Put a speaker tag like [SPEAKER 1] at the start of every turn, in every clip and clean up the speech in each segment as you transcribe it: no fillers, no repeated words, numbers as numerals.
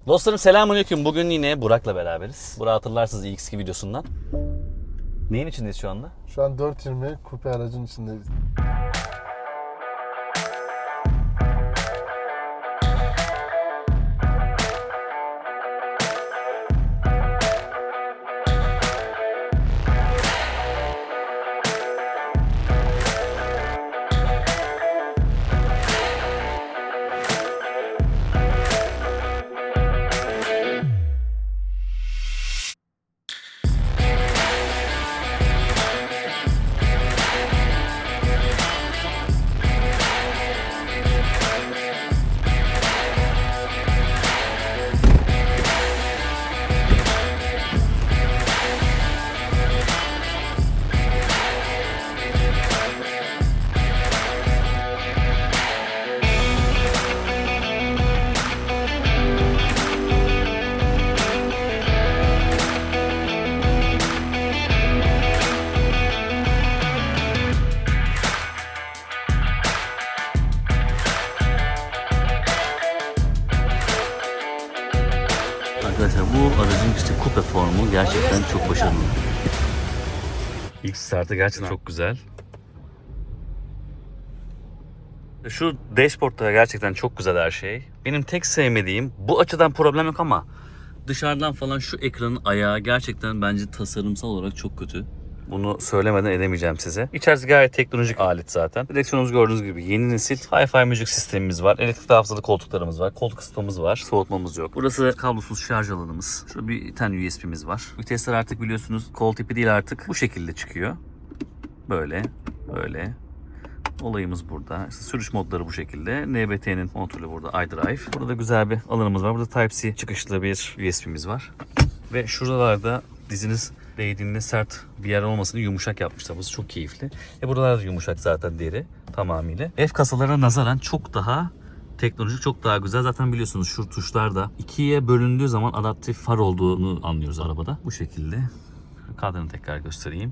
[SPEAKER 1] Dostlarım selamünaleyküm. Bugün yine Burak'la beraberiz. Burak'ı hatırlarsınız ilk videosundan. Neyin içindeyiz şu anda?
[SPEAKER 2] Şu an 420 kupe aracın içindeyiz.
[SPEAKER 1] Arkadaşlar bu aracın işte kupe formu gerçekten çok başarılı. İlk startı gerçekten çok güzel. Şu dashboard'da gerçekten çok güzel her şey. Benim tek sevmediğim, bu açıdan problem yok ama dışarıdan falan şu ekranın ayağı gerçekten bence tasarımsal olarak çok kötü. Bunu söylemeden edemeyeceğim size. İçerisi gayet teknolojik alet zaten. Direksiyonumuz gördüğünüz gibi yeni nesil Hi-Fi müzik sistemimiz var. Elektrikli hafızalı koltuklarımız var. Koltuk ısıtmamız var. Soğutmamız yok. Burası kablosuz şarj alanımız. Şurada bir tane USB'miz var. Vitesler artık biliyorsunuz kol tipi değil artık. Bu şekilde çıkıyor. Böyle. Böyle. Olayımız burada. İşte sürüş modları bu şekilde. NBT'nin kontrolü burada. iDrive. Burada da güzel bir alanımız var. Burada Type-C çıkışlı bir USB'miz var. Ve şuralarda diziniz değdiğinde sert bir yer olmasını yumuşak yapmışlar. Burası çok keyifli. Buralar da yumuşak zaten deri tamamıyla. F kasalarına nazaran çok daha teknolojik, çok daha güzel. Zaten biliyorsunuz şu tuşlarda ikiye bölündüğü zaman adaptif far olduğunu anlıyoruz arabada. Bu şekilde. Kadranı tekrar göstereyim.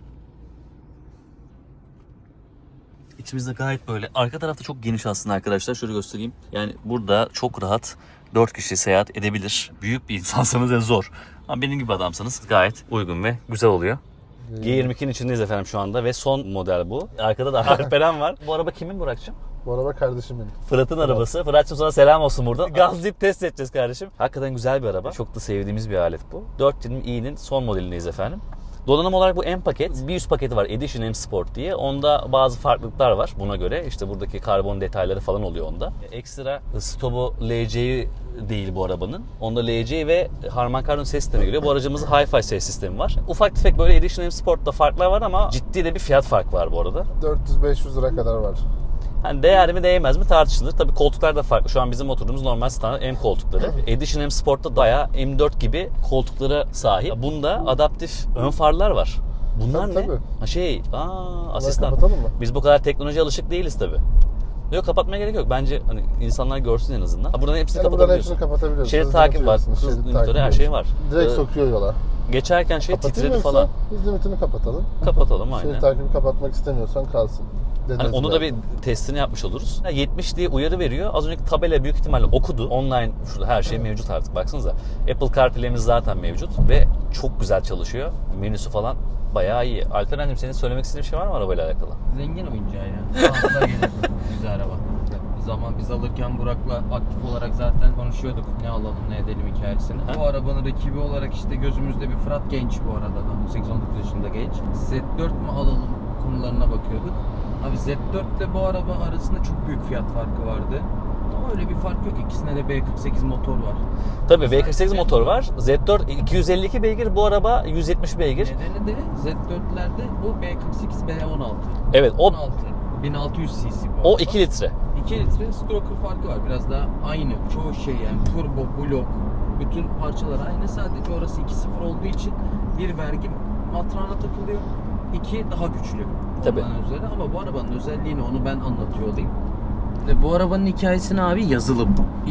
[SPEAKER 1] İçimizde gayet böyle. Arka tarafta çok geniş aslında arkadaşlar. Şöyle göstereyim. Yani burada çok rahat 4 kişi seyahat edebilir. Büyük bir insansanız da zor. Ama benim gibi adamsanız gayet uygun ve güzel oluyor. G22'nin içindeyiz efendim şu anda ve son model bu. Arkada da Alperen var. Bu araba kimin Burak'cığım?
[SPEAKER 2] Bu araba kardeşimin.
[SPEAKER 1] Fırat'ın arabası. Fırat'cığım sana selam olsun burada. Gazlayıp test edeceğiz kardeşim. Hakikaten güzel bir araba. Çok da sevdiğimiz bir alet bu. 420i'nin son modelindeyiz efendim. Donanım olarak bu M paket. Bir üst paketi var Edition M Sport diye. Onda bazı farklılıklar var buna göre. İşte buradaki karbon detayları falan oluyor onda. Ekstra stopu LC'yi değil bu arabanın. Onda LC ve Harman Kardon ses sistemi geliyor. Bu aracımızın Hi-Fi ses sistemi var. Ufak tefek böyle Edition M Sport'ta farklar var ama ciddi de bir fiyat farkı var bu arada.
[SPEAKER 2] 400-500 lira kadar var.
[SPEAKER 1] Hani değer mi değmez mi tartışılır. Tabii koltuklar da farklı. Şu an bizim oturduğumuz normal standart M koltukları. Edition M Sport'ta bayağı M4 gibi koltuklara sahip. Bunda adaptif ön farlar var. Bunlar
[SPEAKER 2] Tabii,
[SPEAKER 1] ne?
[SPEAKER 2] tabii.
[SPEAKER 1] Asistan.
[SPEAKER 2] Kapatalım mı?
[SPEAKER 1] Biz bu kadar teknolojiye alışık değiliz tabii. Yok, kapatmaya gerek yok. Bence hani insanlar görsün en azından. Buradan hepsini kapatabiliyorsun.
[SPEAKER 2] Hepsini kapatabiliyoruz.
[SPEAKER 1] Şerit takip var. Hız limitörü, her şey var.
[SPEAKER 2] Direkt sokuyor yola.
[SPEAKER 1] Geçerken titredi falan.
[SPEAKER 2] Hız limitini kapatalım.
[SPEAKER 1] Kapatalım aynen.
[SPEAKER 2] Şerit takibi kapatmak istemiyorsan kalsın.
[SPEAKER 1] Hani onu da bir testini yapmış oluruz. 70 diye uyarı veriyor. Az önceki tabela büyük ihtimalle okudu. Online şurada her şey mevcut artık baksanıza. Apple CarPlay'imiz zaten mevcut ve çok güzel çalışıyor. Menüsü falan bayağı iyi. Alperen'cim senin söylemek istediğin bir şey var mı arabayla alakalı?
[SPEAKER 3] Zengin oyuncağı ya. Fazla gelir. Güzel araba. Zaman biz alırken Burak'la aktif olarak zaten konuşuyorduk ne alalım ne edelim hikayesini. Bu arabanın rakibi olarak işte gözümüzde bir Fırat genç bu arada da 18-19 yaşında genç. Z4 mü alalım konularına bakıyorduk. Abi Z4 ile bu araba arasında çok büyük fiyat farkı vardı. Ama öyle bir fark yok. İkisinde de B48 motor var.
[SPEAKER 1] Tabii B48 motor var. Z4 252 beygir, bu araba 170 beygir.
[SPEAKER 3] Nedeni de Z4'lerde bu B48 B16.
[SPEAKER 1] Evet, o
[SPEAKER 3] 16 1600 cc bu
[SPEAKER 1] o
[SPEAKER 3] araba.
[SPEAKER 1] 2 litre.
[SPEAKER 3] 2 litre stroker farkı var. Biraz daha aynı. Çoğu şey yani turbo, blok, bütün parçalar aynı. Sadece orası 2.0 olduğu için bir vergi matrağına takılıyor. 2 daha güçlü.
[SPEAKER 1] Tabii.
[SPEAKER 3] Ondan üzerine. Ama bu arabanın özelliğini onu ben anlatıyor olayım. Bu arabanın hikayesini abi yazılım.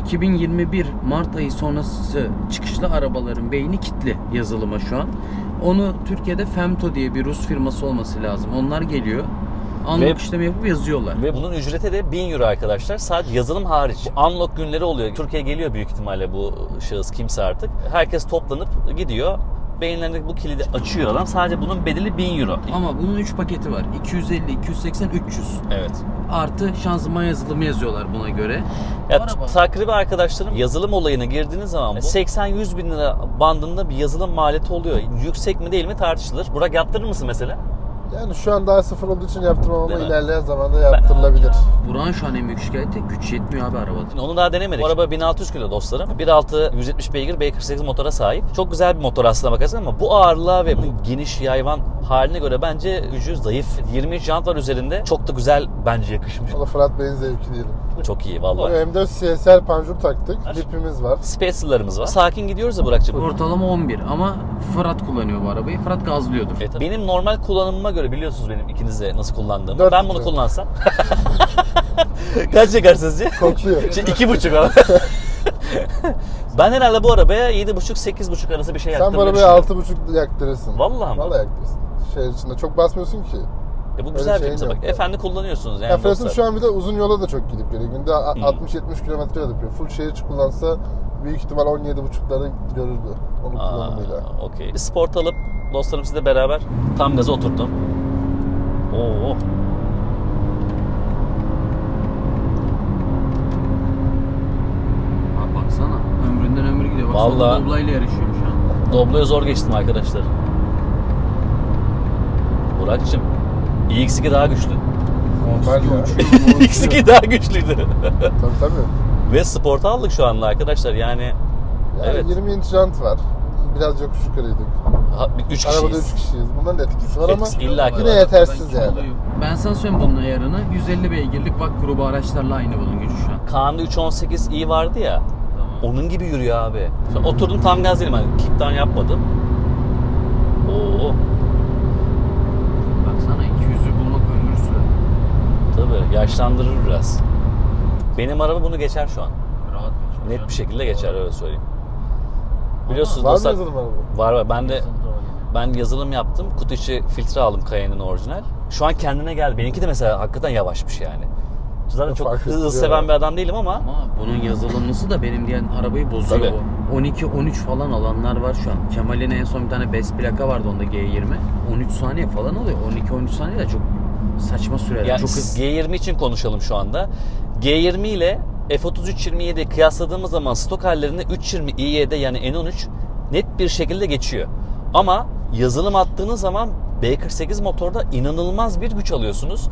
[SPEAKER 3] 2021 Mart ayı sonrası çıkışlı arabaların beyni kilitli yazılıma şu an. Onu Türkiye'de Femto diye bir Rus firması olması lazım. Onlar geliyor. Unlock işlemi yapıp yazıyorlar.
[SPEAKER 1] Ve bunun ücreti de 1000 euro arkadaşlar. Sadece yazılım hariç. Unlock günleri oluyor. Türkiye'ye geliyor büyük ihtimalle bu şahıs kimse artık. Herkes toplanıp gidiyor. Beyinlerindeki bu kilidi açıyor adam. Sadece bunun bedeli 1000 euro.
[SPEAKER 3] Ama bunun 3 paketi var. 250, 280, 300.
[SPEAKER 1] Evet.
[SPEAKER 3] Artı şanzıman yazılımı yazıyorlar buna göre.
[SPEAKER 1] Ya
[SPEAKER 3] Araba.
[SPEAKER 1] takribi arkadaşlarım yazılım olayına girdiğiniz zaman 80-100 bin lira bandında bir yazılım maliyeti oluyor. Yüksek mi değil mi tartışılır. Burak yaptırır mısın mesela?
[SPEAKER 2] Yani şu an daha sıfır olduğu için yaptırmam ama
[SPEAKER 1] Değil mi?
[SPEAKER 2] ilerleyen zamanda yaptırılabilir.
[SPEAKER 3] Burak'ın şu an en büyük şikayeti güç yetmiyor abi arabada.
[SPEAKER 1] Onu daha denemedik. Bu araba 1600 kilo dostlarım. 1.6 170 beygir B48 motora sahip. Çok güzel bir motor aslına bakarsan ama bu ağırlığa ve bu geniş yayvan haline göre bence gücü zayıf. 23 jant var üzerinde. Çok da güzel bence yakışmış.
[SPEAKER 2] O da Fırat Bey'in zevki diyelim.
[SPEAKER 1] Çok iyi vallahi.
[SPEAKER 2] M4 CSR panjur taktık. Lipimiz var.
[SPEAKER 1] Spacer'larımız var. Sakin gidiyoruz da Burak'cığım.
[SPEAKER 3] Ortalama 11 ama Fırat kullanıyor bu arabayı. Fırat gazlıyordur.
[SPEAKER 1] Benim normal kullanımıma göre biliyorsunuz benim ikiniz de nasıl kullandığımı.
[SPEAKER 2] 4
[SPEAKER 1] Ben bunu
[SPEAKER 2] litre.
[SPEAKER 1] kullansam. Kaç yakar sizce?
[SPEAKER 2] Kokluyor.
[SPEAKER 1] 2,5 abi. Ben herhalde bu arabaya 7,5-8,5 arası bir şey
[SPEAKER 2] Sen
[SPEAKER 1] yaktım.
[SPEAKER 2] bu arabaya 6,5 yaktırırsın.
[SPEAKER 1] Vallahi mi?
[SPEAKER 2] Vallahi yaktırırsın. Şehir içinde çok basmıyorsun ki.
[SPEAKER 1] Bu güzel bir
[SPEAKER 2] şeyin
[SPEAKER 1] kimse bak.
[SPEAKER 2] yok.
[SPEAKER 1] Efendi kullanıyorsunuz yani
[SPEAKER 2] Ya Fırat'ın
[SPEAKER 1] dostlar.
[SPEAKER 2] şu an bir de uzun yola da çok gidip geliyor. Günde 60-70 kilometre yapıyor. Full şehir içi kullansa büyük ihtimal 17,5'ları görürdü onun kullanımıyla.
[SPEAKER 1] Okey. Bir sport alıp dostlarım sizle beraber tam gaza oturttum. Oo.
[SPEAKER 3] Abi baksana ömründen ömür gidiyor. Bak
[SPEAKER 1] Vallahi.
[SPEAKER 3] Doblayla yarışıyorum şu an.
[SPEAKER 1] Doblo'ya zor geçtim arkadaşlar. Burak'cığım iX2 daha güçlü.
[SPEAKER 2] Normal ya.
[SPEAKER 1] iX2 daha güçlüydü.
[SPEAKER 2] Tabii tabii.
[SPEAKER 1] Ve sport aldık şu anda arkadaşlar yani.
[SPEAKER 2] Yani
[SPEAKER 1] Evet.
[SPEAKER 2] 20 inç jant var. Biraz yokuş yukarıydık.
[SPEAKER 1] 3
[SPEAKER 2] Arabada 3
[SPEAKER 1] kişiyiz.
[SPEAKER 2] kişiyiz. Bunların da etkisi var ama
[SPEAKER 1] Etkisi illa ki
[SPEAKER 2] yine
[SPEAKER 1] var.
[SPEAKER 2] yetersiz yani.
[SPEAKER 3] Ben sana söyleyeyim bunun ayarını. 150 beygirlik VAK grubu araçlarla aynı bunun gücü şu an.
[SPEAKER 1] Kaan'da 318i vardı ya.
[SPEAKER 3] Tamam.
[SPEAKER 1] Onun gibi yürüyor abi. Sonra oturdum tam gaz değilim. Hani kickdown yapmadım. Oo.
[SPEAKER 3] Baksana 200'ü bulmak ömür sürer.
[SPEAKER 1] Tabii yaşlandırır biraz. Benim araba bunu geçer şu an.
[SPEAKER 3] Rahat geçer.
[SPEAKER 1] Net bir şekilde geçer öyle söyleyeyim. Biliyorsunuz
[SPEAKER 2] Var mı
[SPEAKER 1] dostlar.
[SPEAKER 2] yazılım araba?
[SPEAKER 1] Var. Ben yazılım yaptım. Kutu içi filtre aldım Cayenne'in orijinal. Şu an kendine geldi. Benimki de mesela hakikaten yavaşmış yani. Zaten çok
[SPEAKER 2] Fark
[SPEAKER 1] hız
[SPEAKER 2] ettiriyor
[SPEAKER 1] seven
[SPEAKER 2] ya.
[SPEAKER 1] bir adam değilim ama
[SPEAKER 3] Ama bunun yazılımlısı da benim diyen arabayı bozuyor
[SPEAKER 1] Tabii.
[SPEAKER 3] bu. 12-13 falan alanlar var şu an. Kemal'in en son bir tane best plaka vardı onda G20. 13 saniye falan oluyor. 12-13 saniye de çok saçma süreler.
[SPEAKER 1] yani
[SPEAKER 3] Çok hızlı.
[SPEAKER 1] G20 için konuşalım şu anda. G20 ile F33-27'yi kıyasladığımız zaman stok hallerinde 320 iY'de yani N13 net bir şekilde geçiyor. Ama yazılım attığınız zaman B48 motorda inanılmaz bir güç alıyorsunuz.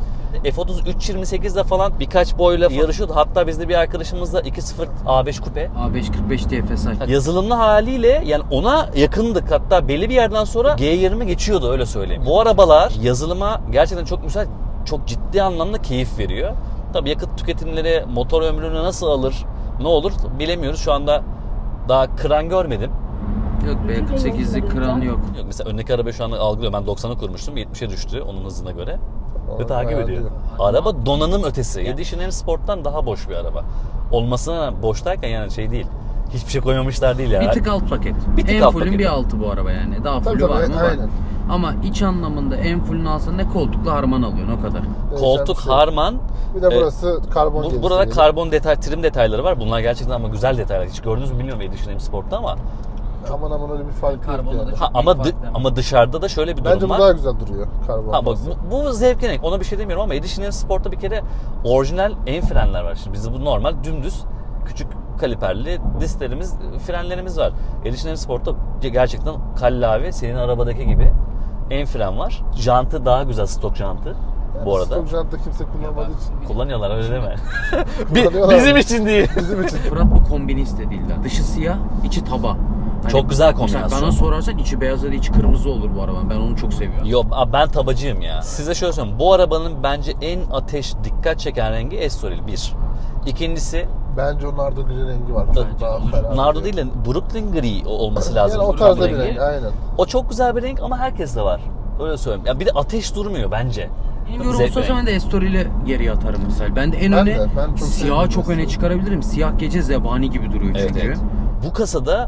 [SPEAKER 1] F33-28'de falan birkaç boyla yarışıyordu. Hatta bizde bir arkadaşımızla 2.0 A5 kupe.
[SPEAKER 3] A545 DFS aç.
[SPEAKER 1] Yazılımlı haliyle yani ona yakındık. Hatta belli bir yerden sonra G20 geçiyordu öyle söyleyeyim. Bu arabalar yazılıma gerçekten çok müsait, çok ciddi anlamda keyif veriyor. Tabii yakıt tüketimleri motor ömrünü nasıl alır, ne olur bilemiyoruz. Şu anda daha kıran görmedim.
[SPEAKER 3] Yok B48'lik kranı yok.
[SPEAKER 1] Yok, mesela öndeki araba şu anda algılıyor. Ben 90'a kurmuştum. 70'e düştü onun hızına göre. Ve
[SPEAKER 2] Onu
[SPEAKER 1] takip ediyor.
[SPEAKER 2] ayarlıyor.
[SPEAKER 1] Araba donanım ötesi. Edition M Sport'tan daha boş bir araba. Olmasına boş derken yani şey değil. Hiçbir şey koymamışlar değil yani.
[SPEAKER 3] Bir tık alt paket.
[SPEAKER 1] Bir tık
[SPEAKER 3] en
[SPEAKER 1] alt
[SPEAKER 3] fullün
[SPEAKER 1] paket.
[SPEAKER 3] bir altı bu araba yani. Daha
[SPEAKER 2] Tabii
[SPEAKER 3] fullü var
[SPEAKER 2] tabii
[SPEAKER 3] mı? Var.
[SPEAKER 2] aynen.
[SPEAKER 3] Ama iç anlamında en fullünü alsan ne koltukla harman alıyorsun o kadar.
[SPEAKER 1] Koltuk,
[SPEAKER 2] Değişen bir şey.
[SPEAKER 1] harman.
[SPEAKER 2] Bir de burası karbon gerisi.
[SPEAKER 1] Burada karbon detay, trim detayları var. Bunlar gerçekten ama güzel detaylar. Hiç gördünüz mü bilmiyorum Edition M Sport'ta ama.
[SPEAKER 2] Aman aman öyle bir fark yok
[SPEAKER 3] Karbonla
[SPEAKER 2] yani.
[SPEAKER 3] da
[SPEAKER 1] Ha,
[SPEAKER 3] çok
[SPEAKER 1] ama
[SPEAKER 3] büyük fark değil.
[SPEAKER 1] ama dışarıda da şöyle bir durum
[SPEAKER 2] Bence bu
[SPEAKER 1] var.
[SPEAKER 2] daha güzel duruyor karbon.
[SPEAKER 1] Ha bak
[SPEAKER 2] olması.
[SPEAKER 1] bu zevkine renk. Ona bir şey demiyorum ama Edition M Sport'ta bir kere orijinal en frenler var. Şimdi bizde bu normal dümdüz küçük kaliperli disklerimiz, frenlerimiz var. Edition M Sport'ta gerçekten kallavi senin arabadaki gibi en fren var. Jantı daha güzel, stok jantı
[SPEAKER 2] Yani
[SPEAKER 1] bu arada.
[SPEAKER 2] stok jantta kimse kullanmadığı için.
[SPEAKER 1] Kullanıyorlar öyle deme.
[SPEAKER 2] Kullanıyorlar.
[SPEAKER 1] Bizim için değil.
[SPEAKER 2] Bizim için.
[SPEAKER 3] Fırat bu kombinist de değiller. Dışı siyah, içi taba. Hani
[SPEAKER 1] Çok güzel
[SPEAKER 3] mesela
[SPEAKER 1] kombinasyon.
[SPEAKER 3] Bana sorarsan içi beyaz ya da içi kırmızı olur bu araba. Ben onu çok seviyorum.
[SPEAKER 1] Yo ben tabacıyım ya. Size şöyle söyleyeyim. Bu arabanın bence en ateş dikkat çeken rengi Estoril 1. İkincisi
[SPEAKER 2] Bence o nardo gri rengi var. Çok
[SPEAKER 3] Bence
[SPEAKER 2] daha
[SPEAKER 3] olur.
[SPEAKER 2] ferah.
[SPEAKER 1] Nardo değil de Brooklyn gri olması lazım.
[SPEAKER 2] Yani o
[SPEAKER 1] Brooklyn
[SPEAKER 2] tarzda bir
[SPEAKER 1] rengi.
[SPEAKER 2] renk aynen.
[SPEAKER 1] O çok güzel bir renk ama herkeste var. Öyle söyleyeyim. Ya bir de ateş durmuyor bence.
[SPEAKER 3] Bilmiyorum
[SPEAKER 1] Zevk
[SPEAKER 3] olsa
[SPEAKER 1] renk.
[SPEAKER 3] ben de Estoril'i geriye atarım mesela. Ben de en
[SPEAKER 2] Ben
[SPEAKER 3] öne
[SPEAKER 2] de, ben çok
[SPEAKER 3] siyahı
[SPEAKER 2] seviyorum
[SPEAKER 3] çok öne
[SPEAKER 2] Estoril.
[SPEAKER 3] çıkarabilirim. Siyah gece zebani gibi duruyor
[SPEAKER 1] Evet,
[SPEAKER 3] çünkü.
[SPEAKER 1] evet. Bu kasada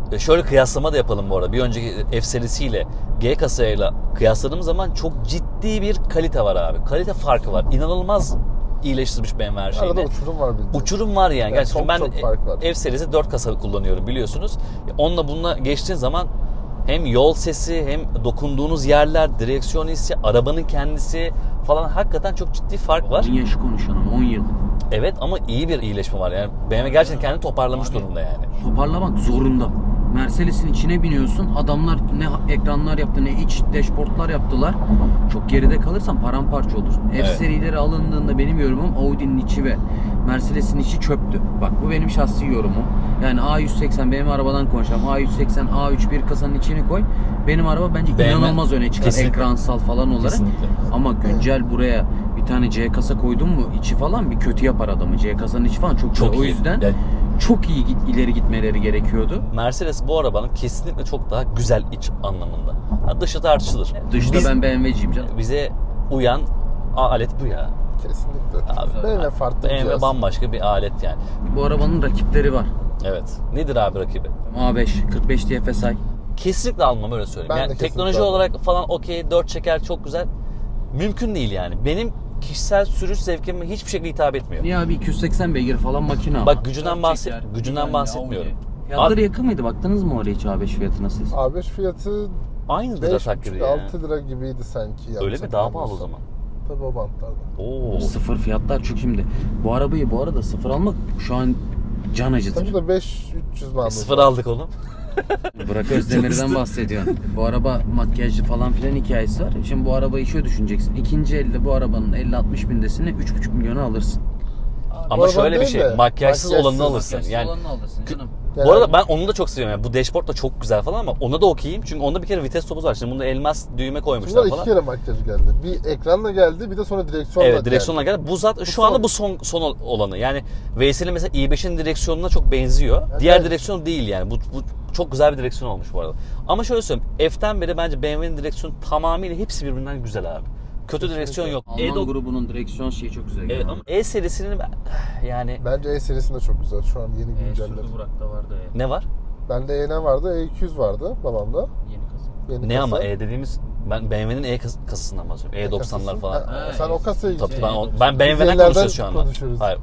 [SPEAKER 1] şöyle kıyaslama da yapalım bu arada. Bir önceki F serisiyle G kasayla kıyasladığımız zaman çok ciddi bir kalite var abi. Kalite farkı var. İnanılmaz iyileştirmiş BMW her şeyini.
[SPEAKER 2] Arada uçurum var bildiğin.
[SPEAKER 1] Uçurum var yani. Gerçekten
[SPEAKER 2] çok
[SPEAKER 1] ben
[SPEAKER 2] fark var.
[SPEAKER 1] F serisi 4 kasa kullanıyorum biliyorsunuz. Onunla bununla geçtiğin zaman hem yol sesi hem dokunduğunuz yerler, direksiyon hissi, arabanın kendisi falan hakikaten çok ciddi fark var.
[SPEAKER 3] 10 yaşı konuşalım, 10 yıl.
[SPEAKER 1] Evet ama iyi bir iyileşme var yani. BMW gerçekten kendini toparlamış
[SPEAKER 3] Abi,
[SPEAKER 1] durumda yani.
[SPEAKER 3] Toparlamak zorunda. Mercedes'in içine biniyorsun. Adamlar ne ekranlar yaptı ne iç dashboardlar yaptılar. Çok geride kalırsan paramparça olursun. F
[SPEAKER 1] Evet.
[SPEAKER 3] serileri alındığında benim yorumum Audi'nin içi ve Mercedes'in içi çöptü. Bak bu benim şahsi yorumum. Yani A180 benim arabadan konuşalım. A180, A3 bir kasanın içini koy. Benim araba bence
[SPEAKER 1] BMW
[SPEAKER 3] inanılmaz öne çıkar.
[SPEAKER 1] kesinlikle.
[SPEAKER 3] Ekransal falan olarak.
[SPEAKER 1] Kesinlikle.
[SPEAKER 3] Ama güncel buraya bir tane C kasa koydun mu içi falan bir kötü yapar adamı. C kasanın içi falan çok
[SPEAKER 1] Çok
[SPEAKER 3] güzel. O
[SPEAKER 1] iyi.
[SPEAKER 3] yüzden
[SPEAKER 1] Yani
[SPEAKER 3] çok iyi ileri gitmeleri gerekiyordu.
[SPEAKER 1] Mercedes bu arabanın kesinlikle çok daha güzel iç anlamında. Ha, dışı tartışılır.
[SPEAKER 3] Dışta
[SPEAKER 1] Biz-
[SPEAKER 3] ben BMW'ciyim canım.
[SPEAKER 1] Bize uyan alet bu ya.
[SPEAKER 2] Kesinlikle.
[SPEAKER 1] Abi,
[SPEAKER 2] BMW farklı bir
[SPEAKER 1] BMW
[SPEAKER 2] cihaz.
[SPEAKER 1] bambaşka bir alet yani.
[SPEAKER 3] Bu arabanın rakipleri var.
[SPEAKER 1] Evet. Nedir abi rakibi?
[SPEAKER 3] A5, 45 TFSI.
[SPEAKER 1] Kesinlikle almam öyle söyleyeyim.
[SPEAKER 2] Ben de
[SPEAKER 1] Yani
[SPEAKER 2] kesinlikle
[SPEAKER 1] teknoloji
[SPEAKER 2] almam.
[SPEAKER 1] olarak falan okey 4 çeker çok güzel. Mümkün değil yani. Benim kişisel sürüş zevkime hiçbir şekilde hitap etmiyor.
[SPEAKER 3] Niye abi 280 beygir falan makine ama.
[SPEAKER 1] Bak gücünden
[SPEAKER 3] Dört çeker,
[SPEAKER 1] gücünden
[SPEAKER 3] güvenli,
[SPEAKER 1] bahsetmiyorum.
[SPEAKER 3] Audi. Fiyatları yakın mıydı? Baktınız mı oraya hiç A5 fiyatına siz?
[SPEAKER 2] A5 fiyatı
[SPEAKER 1] Aynıdır atak gibi ya.
[SPEAKER 2] 5,5-6 lira gibiydi sanki.
[SPEAKER 1] Öyle mi? Daha pahalı o zaman.
[SPEAKER 2] Tabii o bantlarda.
[SPEAKER 1] Oo.
[SPEAKER 3] Sıfır fiyatlar çünkü şimdi bu arabayı bu arada sıfır almak şu an can acıtır.
[SPEAKER 2] Tabii da 5-300 bandı.
[SPEAKER 1] Sıfır aldık oğlum.
[SPEAKER 3] Burak Özdemir'den bahsediyorsun. Bu araba makyajlı falan filan hikayesi var. Şimdi bu arabayı şöyle düşüneceksin. İkinci elde bu arabanın 50-60 bindesini 3,5 milyona alırsın.
[SPEAKER 1] Ama
[SPEAKER 2] araban
[SPEAKER 1] şöyle bir
[SPEAKER 2] değil
[SPEAKER 1] şey.
[SPEAKER 2] de,
[SPEAKER 1] Makyajsız
[SPEAKER 2] makyajsız,
[SPEAKER 1] olanını alırsın.
[SPEAKER 3] Makyajsız
[SPEAKER 1] Yani
[SPEAKER 3] olanını alırsın canım.
[SPEAKER 1] bu arada ben onu da çok seviyorum. Yani bu dashboard da çok güzel falan ama ona da okeyim. Çünkü onda bir kere vites topuzu var. Şimdi bunda elmas düğme koymuşlar
[SPEAKER 2] Bunlar iki
[SPEAKER 1] falan.
[SPEAKER 2] kere makyaj geldi. Bir ekranla geldi, bir de sonra direksiyonla
[SPEAKER 1] Evet, direksiyonla geldi. Bu zaten şu anda bu son olanı. Yani Veysel'in mesela i5'in direksiyonuna çok benziyor.
[SPEAKER 2] Evet,
[SPEAKER 1] Diğer
[SPEAKER 2] evet.
[SPEAKER 1] direksiyon değil yani. Bu çok güzel bir direksiyon olmuş bu arada. Ama şöyle söyleyeyim. F'ten beri bence BMW'nin direksiyonu tamamıyla hepsi birbirinden güzel abi. Kötü direksiyon yok.
[SPEAKER 3] Alman grubunun direksiyon şeyi çok güzel.
[SPEAKER 1] Evet ama E serisinin yani
[SPEAKER 2] Bence E serisinde çok güzel. Şu an yeni güncelledi.
[SPEAKER 3] Sürdü Burak'ta vardı ya.
[SPEAKER 1] ne var?
[SPEAKER 2] Bende E vardı, E200 vardı babamda.
[SPEAKER 3] Yeni kasa.
[SPEAKER 2] Yeni
[SPEAKER 1] Ne
[SPEAKER 2] kasa.
[SPEAKER 1] ama E dediğimiz ben BMW'nin kasasından bahsediyorum. E90'lar falan.
[SPEAKER 2] Ha,
[SPEAKER 3] Ha,
[SPEAKER 2] sen o kasayı
[SPEAKER 1] Tabii
[SPEAKER 3] Şey,
[SPEAKER 1] ben BMW'den
[SPEAKER 2] Biz
[SPEAKER 1] konuşuyoruz şu anda.
[SPEAKER 2] konuşuyoruz.
[SPEAKER 1] Hayır.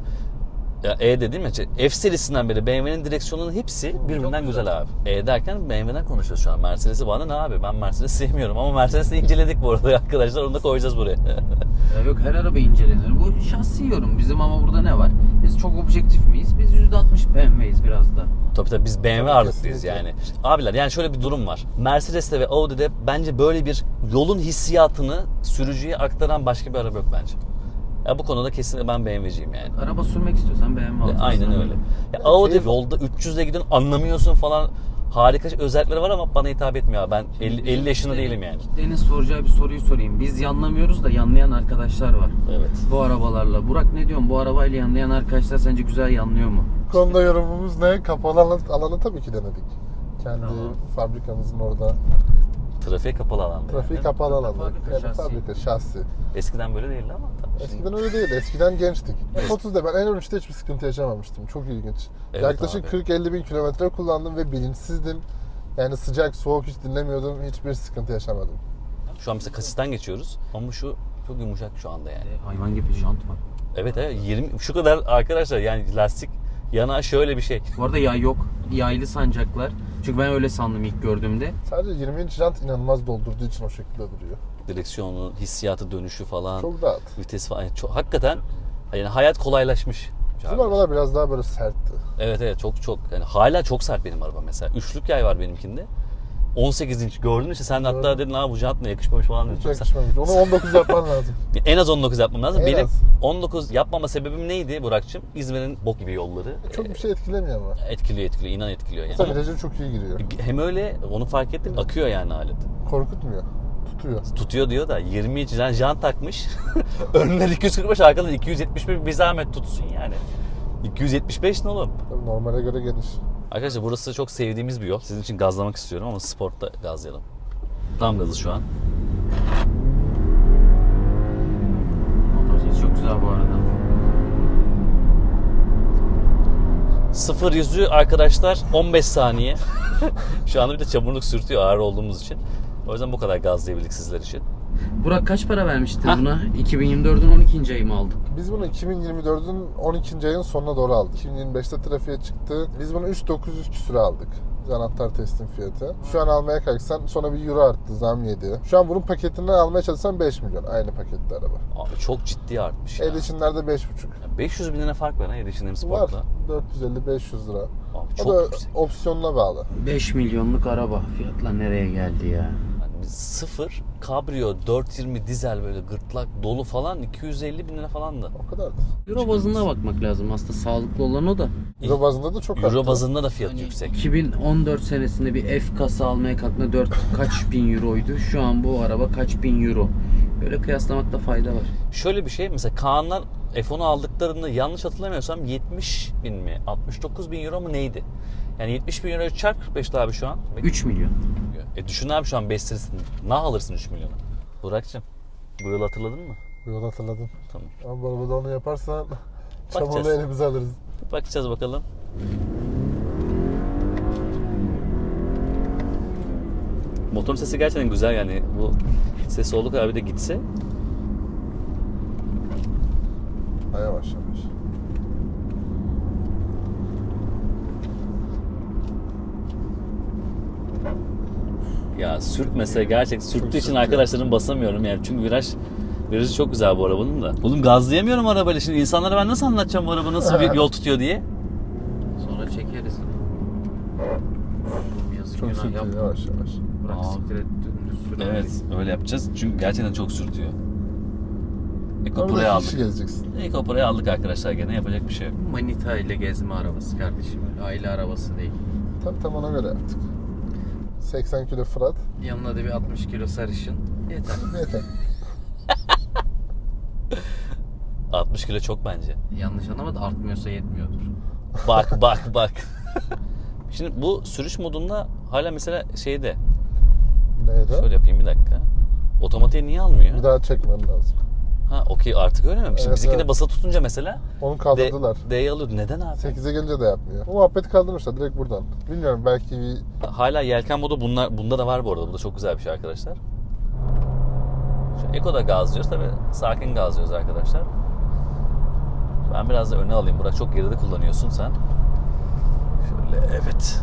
[SPEAKER 1] Ya E dediğim için F serisinden beri BMW'nin direksiyonunun hepsi birbirinden güzel abi. E derken BMW'den konuşuyoruz şu an. Mercedes'i bana ne abi? Ben Mercedes'i sevmiyorum ama Mercedes'i inceledik bu arada arkadaşlar. Onu da koyacağız buraya.
[SPEAKER 3] Ya yok her araba incelenir. Bu şahsi yorum. Bizim ama burada ne var? Biz çok objektif miyiz? Biz %60 BMW'yiz biraz da.
[SPEAKER 1] Tabii biz BMW
[SPEAKER 2] Tabii,
[SPEAKER 1] ağırlıklıyız
[SPEAKER 2] kesinlikle.
[SPEAKER 1] yani. Abiler yani şöyle bir durum var. Mercedes'te ve Audi'de bence böyle bir yolun hissiyatını sürücüye aktaran başka bir araba yok bence. Ya bu konuda kesinlikle ben BMW'ciyim yani.
[SPEAKER 3] Araba sürmek istiyorsan BMW alacaksın.
[SPEAKER 1] Aynen öyle. Ya Audi yolda 300'le gidiyorsun anlamıyorsun falan. Harika özellikleri var ama bana hitap etmiyor. Ben 50 yaşında değilim yani.
[SPEAKER 3] Kitlenin soracağı bir soruyu sorayım. Biz yanlamıyoruz da yanlayan arkadaşlar var.
[SPEAKER 1] Evet.
[SPEAKER 3] Bu arabalarla. Burak ne diyorsun? Bu arabayla yanlayan arkadaşlar sence güzel yanlıyor mu?
[SPEAKER 2] Bu konuda yorumumuz ne? Kapalı alanı tabii ki denedik. Kendi
[SPEAKER 3] Tamam.
[SPEAKER 2] fabrikamızın orada.
[SPEAKER 1] Trafiğe kapalı alanda.
[SPEAKER 2] Trafiği
[SPEAKER 3] Evet,
[SPEAKER 2] kapalı alanda.
[SPEAKER 3] fabrika
[SPEAKER 2] Yani
[SPEAKER 3] şahsi.
[SPEAKER 2] fabrika şahsi.
[SPEAKER 1] Eskiden böyle değildi ama tabii.
[SPEAKER 2] Eskiden öyle değildi. Eskiden gençtik. F30'da ben en hiçbir sıkıntı yaşamamıştım. Çok ilginç.
[SPEAKER 1] Evet
[SPEAKER 2] Yaklaşık
[SPEAKER 1] abi.
[SPEAKER 2] 40-50 bin kilometre kullandım ve bilinçsizdim. Yani sıcak, soğuk hiç dinlemiyordum. Hiçbir sıkıntı yaşamadım.
[SPEAKER 1] Şu an mesela kasisten geçiyoruz ama şu çok yumuşak şu anda yani.
[SPEAKER 3] Hayvan gibi jant var.
[SPEAKER 1] Evet 20 şu kadar arkadaşlar yani lastik yanağı şöyle bir şey.
[SPEAKER 3] Bu arada yay yok. Yaylı sancaklar. Çünkü ben öyle sandım ilk gördüğümde.
[SPEAKER 2] Sadece 20 inç jant inanılmaz doldurduğu için o şekilde duruyor.
[SPEAKER 1] Direksiyonu, hissiyatı, dönüşü falan,
[SPEAKER 2] Çok rahat.
[SPEAKER 1] vites falan. Yani çok, hakikaten yani hayat kolaylaşmış.
[SPEAKER 2] Bizim arabalar biraz daha böyle sertti.
[SPEAKER 1] Evet çok yani hala çok sert benim araba mesela. Üçlük yay var benimkinde. 18 inç gördün işte sen de hatta
[SPEAKER 2] Gördüm.
[SPEAKER 1] dedin bu jant ne yakışmamış falan dedin.
[SPEAKER 2] Hiç yakışmamış. Onu 19 yapman lazım.
[SPEAKER 1] En az 19 yapmam lazım.
[SPEAKER 2] En
[SPEAKER 1] Benim
[SPEAKER 2] az.
[SPEAKER 1] 19 yapmama sebebim neydi Burak'cığım? İzmir'in bok gibi yolları.
[SPEAKER 2] Çok bir şey etkilemiyor ama.
[SPEAKER 1] Etkiliyor inan etkiliyor yani.
[SPEAKER 2] Mesela virajı çok iyi giriyor.
[SPEAKER 1] Hem öyle onu fark ettim akıyor yani alet.
[SPEAKER 2] Korkutmuyor. Tutuyor.
[SPEAKER 1] Tutuyor diyor da 20 inç jant takmış. Önler 245 arkadan 271 bir zahmet tutsun yani. 275 ne oğlum?
[SPEAKER 2] Tabii normale göre geniş.
[SPEAKER 1] Arkadaşlar burası çok sevdiğimiz bir yol. Sizin için gazlamak istiyorum ama sportta gazlayalım. Tam gazı şu an.
[SPEAKER 3] Motor sesi çok güzel bu arada.
[SPEAKER 1] 0-100'ü arkadaşlar 15 saniye. Şu anda bir de çamurluk sürtüyor ağır olduğumuz için. O yüzden bu kadar gazlayabildik sizler için.
[SPEAKER 3] Burak kaç para vermiştin buna? 2024'ün 12. ayı mı aldık?
[SPEAKER 2] Biz bunu 2024'ün 12. ayın sonuna doğru aldık. 2025'te trafiğe çıktı. Biz bunu 3.900 küsüre aldık. Anahtar teslim fiyatı. Şu an almaya kalksan sonra bir euro arttı, zam yedi. Şu an bunun paketinden almaya çalışsan 5 milyon. Aynı paketli araba.
[SPEAKER 1] Abi çok ciddi artmış ya.
[SPEAKER 2] Edition'lerde 5.5.
[SPEAKER 1] 500 bin lira fark var ha Edition M
[SPEAKER 2] Var.
[SPEAKER 1] Sport'la.
[SPEAKER 2] 450-500 lira.
[SPEAKER 1] Abi
[SPEAKER 2] O
[SPEAKER 1] çok
[SPEAKER 2] da
[SPEAKER 1] yüksek.
[SPEAKER 2] opsiyonuna bağlı.
[SPEAKER 3] 5 milyonluk araba. Fiyatlar nereye geldi ya?
[SPEAKER 1] Yani biz sıfır, kabrio, 420 dizel böyle gırtlak dolu falan 250 bin lira falandı.
[SPEAKER 2] O kadardır.
[SPEAKER 3] Euro bazına bakmak lazım. Aslında sağlıklı olan o da.
[SPEAKER 2] Euro bazında da çok arttı.
[SPEAKER 1] Euro bazında da fiyat
[SPEAKER 3] Hani
[SPEAKER 1] yüksek.
[SPEAKER 3] 2014 senesinde bir F kasa almaya kalktığında 4 kaç bin euroydu. Şu an bu araba kaç bin euro. Böyle kıyaslamakta fayda var.
[SPEAKER 1] Şöyle bir şey mesela Kaanlar F10'u aldıklarında yanlış hatırlamıyorsam 70 bin mi 69 bin euro mu neydi? Yani 70 bin euroyu çarp 45 abi şu an.
[SPEAKER 3] 3 milyon.
[SPEAKER 1] Düşün abi şu an 5 serisini. Ne alırsın 3 milyona? Burak'cığım bu yılı hatırladın mı?
[SPEAKER 2] Bu yolu hatırladım.
[SPEAKER 1] Tamam.
[SPEAKER 2] Ama bu arabada onu yaparsan çamurlu
[SPEAKER 1] Bakacağız.
[SPEAKER 2] elimizi alırız.
[SPEAKER 1] Bakacağız bakalım. Motorun sesi gerçekten güzel yani bu sesi olduğu kadar bir de gitse.
[SPEAKER 2] Ha, yavaş yavaş.
[SPEAKER 1] Ya sürtmese gerçek sürttüğü için
[SPEAKER 2] sürtüyor.
[SPEAKER 1] arkadaşlarım basamıyorum yani çünkü virajı çok güzel bu arabanın da. Oğlum gazlayamıyorum arabayla şimdi insanlara ben nasıl anlatacağım bu araba nasıl bir yol tutuyor diye.
[SPEAKER 3] Sonra çekeriz. Yazık
[SPEAKER 2] Çok
[SPEAKER 3] günah
[SPEAKER 2] sürtüyor,
[SPEAKER 3] yapma.
[SPEAKER 2] yavaş yavaş.
[SPEAKER 3] Bırak
[SPEAKER 1] Aa.
[SPEAKER 3] siktir et dümdüz sür.
[SPEAKER 1] Evet öyle yapacağız çünkü gerçekten çok sürtüyor. Ekopro'yu
[SPEAKER 2] Orada
[SPEAKER 1] aldık.
[SPEAKER 2] kişi gezeceksin.
[SPEAKER 1] Ekopro'yu aldık arkadaşlar gene yapacak bir şey yok.
[SPEAKER 3] Manita ile gezme arabası kardeşim. Öyle aile arabası değil.
[SPEAKER 2] Tam ona göre yaptık. 80 kilo Fırat.
[SPEAKER 3] Yanına da bir 60 kilo sarışın. Yeter.
[SPEAKER 2] Yeter.
[SPEAKER 1] 60 kilo çok bence.
[SPEAKER 3] Yanlış anlamadı, artmıyorsa yetmiyordur.
[SPEAKER 1] Bak. Şimdi bu sürüş modunda hala mesela şeyde.
[SPEAKER 2] Neydi?
[SPEAKER 1] Şöyle yapayım bir dakika. Otomatiğe niye almıyor?
[SPEAKER 2] Bir daha çekmem lazım.
[SPEAKER 1] Ha okey artık öyle mi? Şimdi
[SPEAKER 2] Evet,
[SPEAKER 1] bizimkine
[SPEAKER 2] evet.
[SPEAKER 1] basılı tutunca mesela
[SPEAKER 2] Onu kaldırdılar.
[SPEAKER 1] D'yi alıyordu. Neden abi?
[SPEAKER 2] 8'e gelince de yapmıyor. Bu muhabbeti kaldırmışlar direkt buradan. Bilmiyorum belki bir...
[SPEAKER 1] Hala yelken modu bunda da var bu arada. Bu da çok güzel bir şey arkadaşlar. Şu Eko'da gazlıyoruz tabi sakin gazlıyoruz arkadaşlar. Ben biraz da öne alayım. Burak çok geride kullanıyorsun sen. Şöyle evet.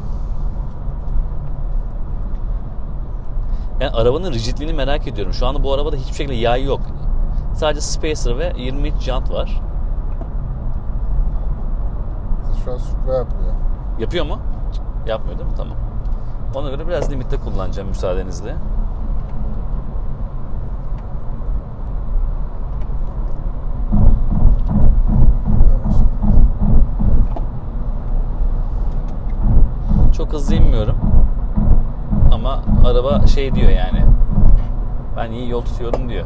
[SPEAKER 1] Yani arabanın rigidliğini merak ediyorum. Şu anda bu arabada hiçbir şekilde yay yok. Sadece spacer ve 20 inç jant var.
[SPEAKER 2] Şu an sürtme yapmıyor.
[SPEAKER 1] Yapıyor mu? Yapmıyor değil mi? Tamam. Ona göre biraz limitte kullanacağım müsaadenizle. Çok hızlı inmiyorum. Ama araba şey diyor yani. Ben iyi yol tutuyorum diyor.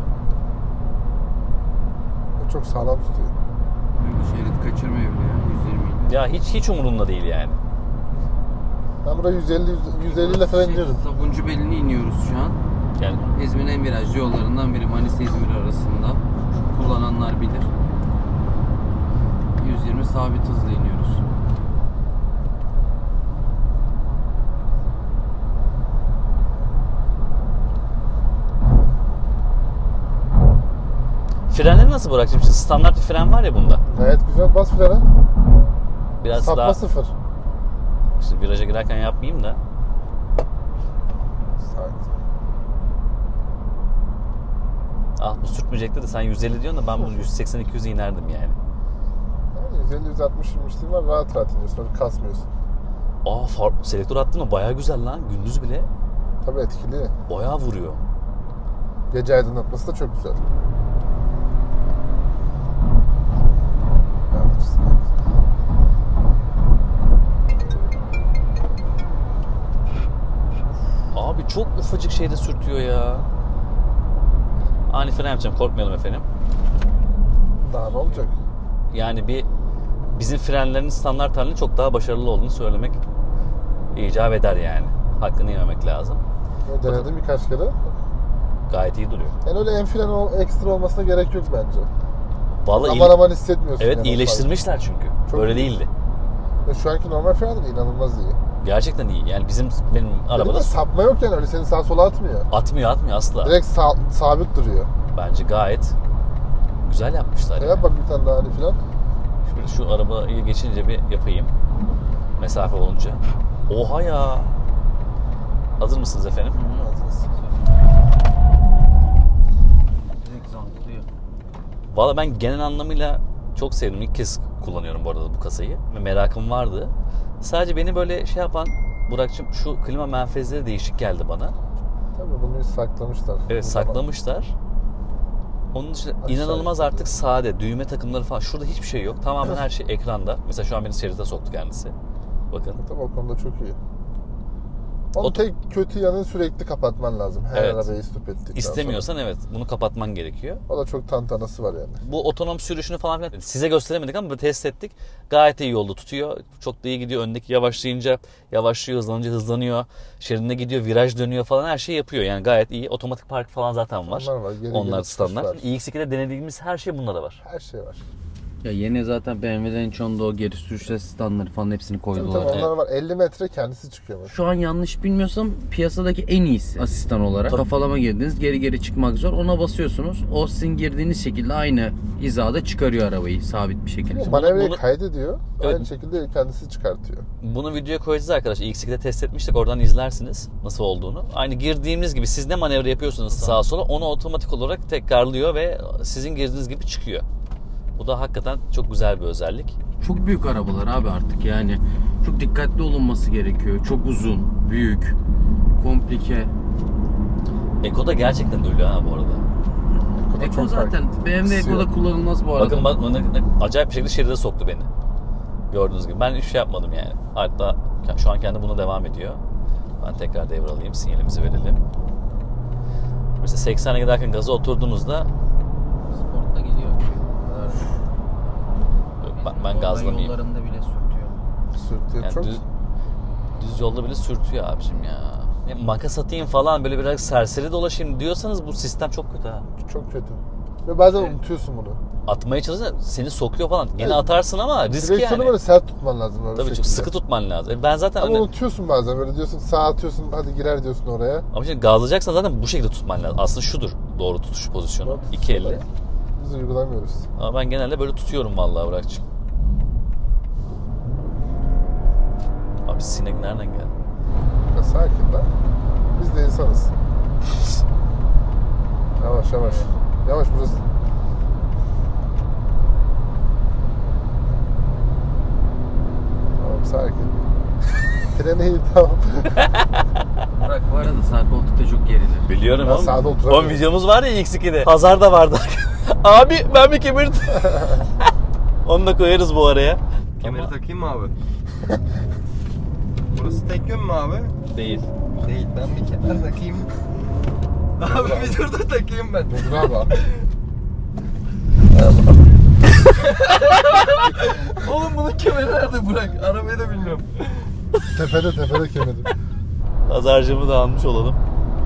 [SPEAKER 2] O çok sağlam tutuyor.
[SPEAKER 3] Şerit kaçırmıyor bile ya, 120 ile.
[SPEAKER 1] Ya hiç umurumda değil yani.
[SPEAKER 2] Ben buraya 150 ile falan iniyorum.
[SPEAKER 3] Sabuncu Beli'ne iniyoruz şu an.
[SPEAKER 1] Yani
[SPEAKER 3] İzmir'in en virajlı yollarından biri, Manisa-İzmir arasında. Kullananlar bilir. 120 sabit hızla iniyoruz.
[SPEAKER 1] frenleri nasıl bırakacağım? Şimdi standart bir fren var ya bunda.
[SPEAKER 2] Gayet güzel, bas frene.
[SPEAKER 1] Biraz
[SPEAKER 2] Sapma
[SPEAKER 1] daha
[SPEAKER 2] sıfır.
[SPEAKER 1] işte viraja girerken yapmayayım da.
[SPEAKER 2] Sakin.
[SPEAKER 1] Ah bu sürtmeyecekti de sen 150 diyorsun da ben bu 180-200'e inerdim yani.
[SPEAKER 2] Yani 150-160 inmişliğin var, rahat rahat iniyorsun, öyle kasmıyorsun.
[SPEAKER 1] Selektör attın mı bayağı güzel lan. Gündüz bile
[SPEAKER 2] Tabii etkili.
[SPEAKER 1] bayağı vuruyor.
[SPEAKER 2] Gece aydınlatması da çok güzel. Yavaş, sakin.
[SPEAKER 1] Abi çok ufacık şeyde sürtüyor ya. Ani fren yapacağım, korkmayalım efendim.
[SPEAKER 2] Daha ne olacak?
[SPEAKER 1] Yani bizim frenlerin standart halinin çok daha başarılı olduğunu söylemek icap eder yani. Hakkını yememek lazım.
[SPEAKER 2] Ben denedim birkaç kere.
[SPEAKER 1] Gayet iyi duruyor.
[SPEAKER 2] Yani öyle en fren ekstra olmasına gerek yok bence.
[SPEAKER 1] Vallahi
[SPEAKER 2] Aman hissetmiyorsun.
[SPEAKER 1] evet
[SPEAKER 2] yani
[SPEAKER 1] iyileştirmişler çünkü.
[SPEAKER 2] Çok
[SPEAKER 1] Böyle
[SPEAKER 2] iyi.
[SPEAKER 1] değildi.
[SPEAKER 2] Şu anki normal fren de inanılmaz iyi.
[SPEAKER 1] Gerçekten iyi. Yani benim
[SPEAKER 2] Arabada
[SPEAKER 1] arabada
[SPEAKER 2] sapma yok yani, öyle seni sağa sola atmıyor.
[SPEAKER 1] atmıyor asla.
[SPEAKER 2] Direkt sabit duruyor.
[SPEAKER 1] Bence gayet güzel yapmışlar.
[SPEAKER 2] Yap bak bir tane daha hani filan.
[SPEAKER 1] Şimdi şu arabayı geçince bir yapayım. Mesafe olunca. Oha ya. Hazır mısınız efendim?
[SPEAKER 3] Direkt zantlıyor.
[SPEAKER 1] Valla ben genel anlamıyla çok sevdim. İlk kez kullanıyorum bu arada bu kasayı. Ve merakım vardı. Sadece beni böyle şey yapan Burak'cığım, şu klima menfezleri değişik geldi bana.
[SPEAKER 2] Tabii bunu saklamışlar.
[SPEAKER 1] Evet, saklamışlar. Onun dışında inanılmaz artık sade. Düğme takımları falan. Şurada hiçbir şey yok. Tamamen her şey ekranda. Mesela şu an beni şeride soktu kendisi. Bakın.
[SPEAKER 2] Tabii o konuda çok iyi. Onun tek kötü yanı sürekli kapatman lazım. Her
[SPEAKER 1] Evet.
[SPEAKER 2] arabayı stop ettikten
[SPEAKER 1] İstemiyorsan evet, bunu kapatman gerekiyor.
[SPEAKER 2] sonra. O da çok tantanası var yani.
[SPEAKER 1] Bu otonom sürüşünü falan filan size gösteremedik ama test ettik. Gayet iyi yolda tutuyor. Çok da iyi gidiyor. Öndeki yavaşlayınca yavaşlıyor, hızlanınca hızlanıyor. Şeridine gidiyor, viraj dönüyor falan, her şeyi yapıyor. Yani gayet iyi. Otomatik park falan zaten var.
[SPEAKER 2] Onlar var. Geri
[SPEAKER 1] Onlar
[SPEAKER 2] geri
[SPEAKER 1] standart.
[SPEAKER 2] tutuş var.
[SPEAKER 1] iX2'de denediğimiz her şey bunda da var.
[SPEAKER 2] Her şey var.
[SPEAKER 3] Ya yeni zaten BMW'den çoğunda o geri sürüş asistanları falan hepsini
[SPEAKER 2] Tabii
[SPEAKER 3] koydular.
[SPEAKER 2] tabii onlar var. 50 metre kendisi çıkıyor mesela.
[SPEAKER 3] Şu an yanlış bilmiyorsam piyasadaki en iyisi asistan olarak. Kafalama girdiniz, geri çıkmak zor. Ona basıyorsunuz. O sizin girdiğiniz şekilde aynı hizada çıkarıyor arabayı sabit bir şekilde.
[SPEAKER 2] Manevrayı
[SPEAKER 1] bunu-
[SPEAKER 2] kaydediyor.
[SPEAKER 1] Evet.
[SPEAKER 2] Aynı şekilde kendisi çıkartıyor.
[SPEAKER 1] Bunu videoya koyacağız arkadaşlar. iX2'de test etmiştik. Oradan izlersiniz nasıl olduğunu. Aynı girdiğimiz gibi siz ne manevra yapıyorsunuz sağa sola, onu otomatik olarak tekrarlıyor ve sizin girdiğiniz gibi çıkıyor. Bu da hakikaten çok güzel bir özellik.
[SPEAKER 3] Çok büyük arabalar abi artık yani. Çok dikkatli olunması gerekiyor. Çok uzun, büyük, komplike.
[SPEAKER 1] Eko da gerçekten öyle ha bu arada.
[SPEAKER 2] Eko'da
[SPEAKER 3] Eko
[SPEAKER 2] çok
[SPEAKER 3] zaten
[SPEAKER 2] farklı.
[SPEAKER 3] BMW
[SPEAKER 2] Kısıyor.
[SPEAKER 3] Eko'da kullanılmaz bu arada.
[SPEAKER 1] Bakın acayip bir şekilde şeride soktu beni. Gördüğünüz gibi. Ben hiç şey yapmadım yani. Hatta şu an kendi buna devam ediyor. Ben tekrar devralayım. Sinyalimizi verelim. Mesela 80'e giderken gaza oturduğunuzda
[SPEAKER 3] Sportla geliyor.
[SPEAKER 1] ben gazlamayayım.
[SPEAKER 3] Yollarında bile sürtüyor.
[SPEAKER 2] Sürtüyor
[SPEAKER 1] Yani
[SPEAKER 2] çok.
[SPEAKER 1] düz yolda bile sürtüyor abicim ya. Makas atayım falan, böyle biraz serseri dolaşayım diyorsanız bu sistem çok kötü ha.
[SPEAKER 2] Çok kötü. Ve bazen unutuyorsun bunu.
[SPEAKER 1] Atmaya çalışırsan seni sokuyor falan. Gene
[SPEAKER 2] Evet.
[SPEAKER 1] atarsın ama risk
[SPEAKER 2] Direksiyonu
[SPEAKER 1] yani.
[SPEAKER 2] böyle sert tutman lazım. Öyle
[SPEAKER 1] Tabii çok
[SPEAKER 2] şekilde.
[SPEAKER 1] sıkı tutman lazım. Ben zaten
[SPEAKER 2] Ama
[SPEAKER 1] hani,
[SPEAKER 2] unutuyorsun bazen, böyle diyorsun sağa atıyorsun, hadi girer diyorsun oraya.
[SPEAKER 1] ama şimdi gazlayacaksan zaten bu şekilde tutman lazım. Aslında şudur doğru tutuş pozisyonu.
[SPEAKER 2] Doğru tutuş
[SPEAKER 1] 2 elle.
[SPEAKER 2] olarak. Biz uygulamıyoruz.
[SPEAKER 1] Ama ben genelde böyle tutuyorum vallahi Burak'cığım. Abi sinek nereden geldi?
[SPEAKER 2] Ya sakin lan. Biz de insanız. Yavaş yavaş. Yavaş burası. Tamam sakin. Freni iyi, tamam.
[SPEAKER 3] Burak bu arada sağ koltukta çok gerilir.
[SPEAKER 1] Biliyorum
[SPEAKER 2] Ben
[SPEAKER 1] oğlum.
[SPEAKER 2] sağda oturamıyorum.
[SPEAKER 1] O videomuz var ya X2'de. Pazarda vardı. Abi ben bir kemirdim. Onu da koyarız bu araya.
[SPEAKER 4] Kemeri takayım mı abi? Burası tek yön mü abi?
[SPEAKER 1] Değil.
[SPEAKER 4] Değil. Ben bir kemer takayım. Abi bir dur da takayım ben.
[SPEAKER 2] Dur abi.
[SPEAKER 4] Oğlum bunun kemeri nerede Burak? Arabayı da bilmiyorum.
[SPEAKER 2] Tepede kemeri.
[SPEAKER 1] Pazarcığımı da almış olalım.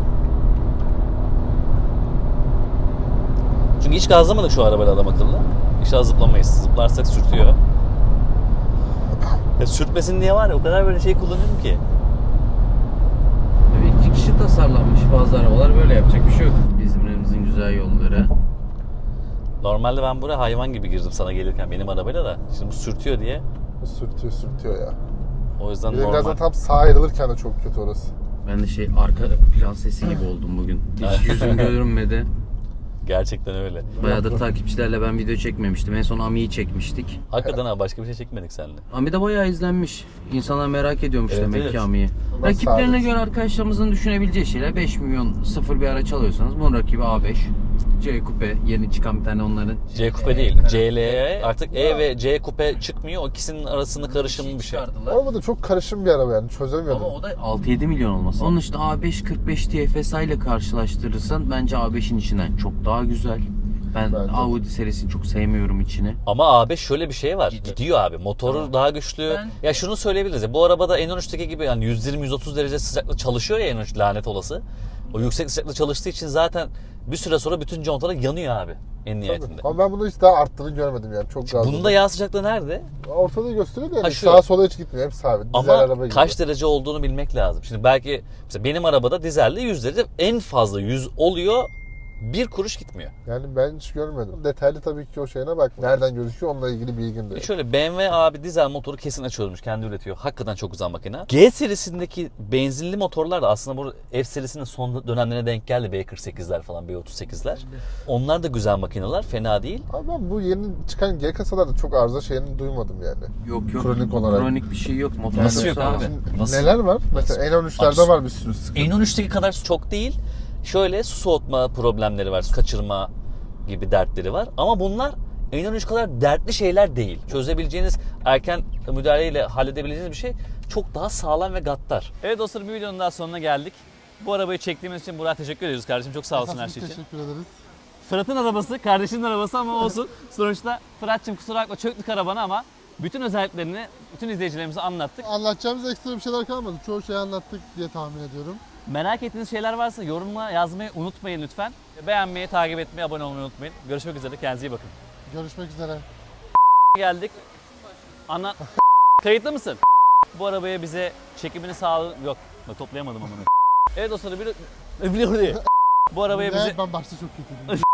[SPEAKER 1] Çünkü hiç gazlamadık şu arabayla adam akıllı. İnşallah zıplamayız. Zıplarsak sürtüyor. Ya sürtmesin diye var ya, o kadar böyle şey kullanıyorum ki.
[SPEAKER 3] Tabii iki kişi tasarlanmış, bazı arabalar böyle, yapacak bir şey yok. İzmir'imizin güzel yolları.
[SPEAKER 1] Normalde ben buraya hayvan gibi girdim sana gelirken benim arabayla da. Şimdi bu sürtüyor diye.
[SPEAKER 2] Sürtüyor ya.
[SPEAKER 1] O yüzden
[SPEAKER 2] Bir de
[SPEAKER 1] normal.
[SPEAKER 2] birazdan tam sağa ayrılırken de çok kötü orası.
[SPEAKER 3] Ben de arka plan sesi gibi oldum bugün. Hiç yüzüm görünmedi.
[SPEAKER 1] Gerçekten öyle.
[SPEAKER 3] Bayağıdır takipçilerle ben video çekmemiştim. En son Ami'yi çekmiştik.
[SPEAKER 1] Hakikaten ha, başka bir şey çekmedik seninle.
[SPEAKER 3] Ami de bayağı izlenmiş. İnsanlar merak ediyormuş
[SPEAKER 1] Evet,
[SPEAKER 3] demek
[SPEAKER 1] evet.
[SPEAKER 3] ki Ami'yi.
[SPEAKER 2] Onlar
[SPEAKER 3] Rakiplerine
[SPEAKER 2] sabit.
[SPEAKER 3] göre arkadaşlarımızın düşünebileceği şeyler 5 milyon sıfır bir araç alıyorsanız bunun rakibi A5. C Coupe, yeni çıkan bir tane onların.
[SPEAKER 1] C Coupe değil. CL'ye artık E ve C Coupe çıkmıyor. O ikisinin arasında karışımlı bir şey.
[SPEAKER 3] Çıkardılar.
[SPEAKER 2] Ama da çok karışım bir araba yani, çözemiyorum.
[SPEAKER 3] Ama o da 6-7 milyon olması. Onun işte A5 45 TFSI ile karşılaştırırsan bence A5'in içinden çok daha güzel. Ben
[SPEAKER 2] Bence.
[SPEAKER 3] Audi serisini çok sevmiyorum içini.
[SPEAKER 1] Ama A5 şöyle bir şey var.
[SPEAKER 3] Gidiyor.
[SPEAKER 1] Gidiyor abi. Motoru
[SPEAKER 3] Tamam.
[SPEAKER 1] daha güçlü.
[SPEAKER 3] Ben-
[SPEAKER 1] Ya şunu söyleyebiliriz ya. Bu arabada N13'teki gibi yani 120-130 derece sıcaklıkta çalışıyor ya N13, lanet olası. O yüksek sıcaklıkta çalıştığı için zaten Bir süre sonra bütün contalar yanıyor abi en nihayetinde.
[SPEAKER 2] Ama ben bunu hiç daha arttığını görmedim yani. Çok gazlı.
[SPEAKER 1] Bunda yağ sıcaklığı nerede?
[SPEAKER 2] Ortada gösteriyor da yani
[SPEAKER 1] Ha, şu.
[SPEAKER 2] sağa sola hiç gitmiyor. Hep sabit. Dizel araba
[SPEAKER 1] Ama
[SPEAKER 2] gibi.
[SPEAKER 1] kaç derece olduğunu bilmek lazım. Şimdi belki mesela benim arabada dizelde 100 derece, en fazla 100 oluyor. Bir kuruş gitmiyor.
[SPEAKER 2] Yani ben hiç görmedim. Detaylı tabii ki o şeyine bak. Nereden gözüküyor onunla ilgili bilgim de yok.
[SPEAKER 1] Şöyle BMW abi dizel motoru kesin açıyormuş. Kendi üretiyor. Hakikaten çok güzel makine. G serisindeki benzinli motorlar da aslında bu F serisinin son dönemlerine denk geldi. B48'ler falan, B38'ler. Onlar da güzel makineler. Fena değil.
[SPEAKER 2] Ama ben bu yeni çıkan G kasalarda çok arıza şeyini duymadım yani.
[SPEAKER 3] Yok
[SPEAKER 2] Kronik olarak.
[SPEAKER 3] Kronik bir şey yok. Motor
[SPEAKER 1] Nasıl yok
[SPEAKER 3] sağlam.
[SPEAKER 1] abi?
[SPEAKER 2] Şimdi
[SPEAKER 1] Nasıl?
[SPEAKER 2] neler var? Mesela N13'lerde
[SPEAKER 1] Abi,
[SPEAKER 2] var bir sürü sıkıntı.
[SPEAKER 1] N13'teki kadar çok değil. Şöyle su soğutma problemleri var. Kaçırma gibi dertleri var. Ama bunlar N13 kadar dertli şeyler değil. Çözebileceğiniz, erken müdahaleyle halledebileceğiniz bir şey. Çok daha sağlam ve gaddar. Evet dostlar, bir videonun daha sonuna geldik. Bu arabayı çektiğimiz için Burak'a teşekkür ediyoruz kardeşim. Çok sağ olsun her şey için.
[SPEAKER 2] Teşekkür ederiz.
[SPEAKER 1] Fırat'ın arabası, kardeşinin arabası ama olsun. Sonuçta Fırat'cığım kusura bakma çöktük arabana ama bütün özelliklerini bütün izleyicilerimize anlattık.
[SPEAKER 2] Anlatacağımız ekstra bir şeyler kalmadı. Çoğu şeyi anlattık diye tahmin ediyorum.
[SPEAKER 1] Merak ettiğiniz şeyler varsa yorumla yazmayı unutmayın lütfen. Beğenmeyi, takip etmeyi, abone olmayı unutmayın. Görüşmek üzere, kendinize iyi bakın.
[SPEAKER 2] Görüşmek üzere.
[SPEAKER 1] Geldik. Ana... Kayıtlı mısın? Bu arabaya bize çekimini sağladı... Yok, toplayamadım ama. Evet dostlar, bir... Bu arabaya bize...
[SPEAKER 2] Ben başta çok kötüydüm.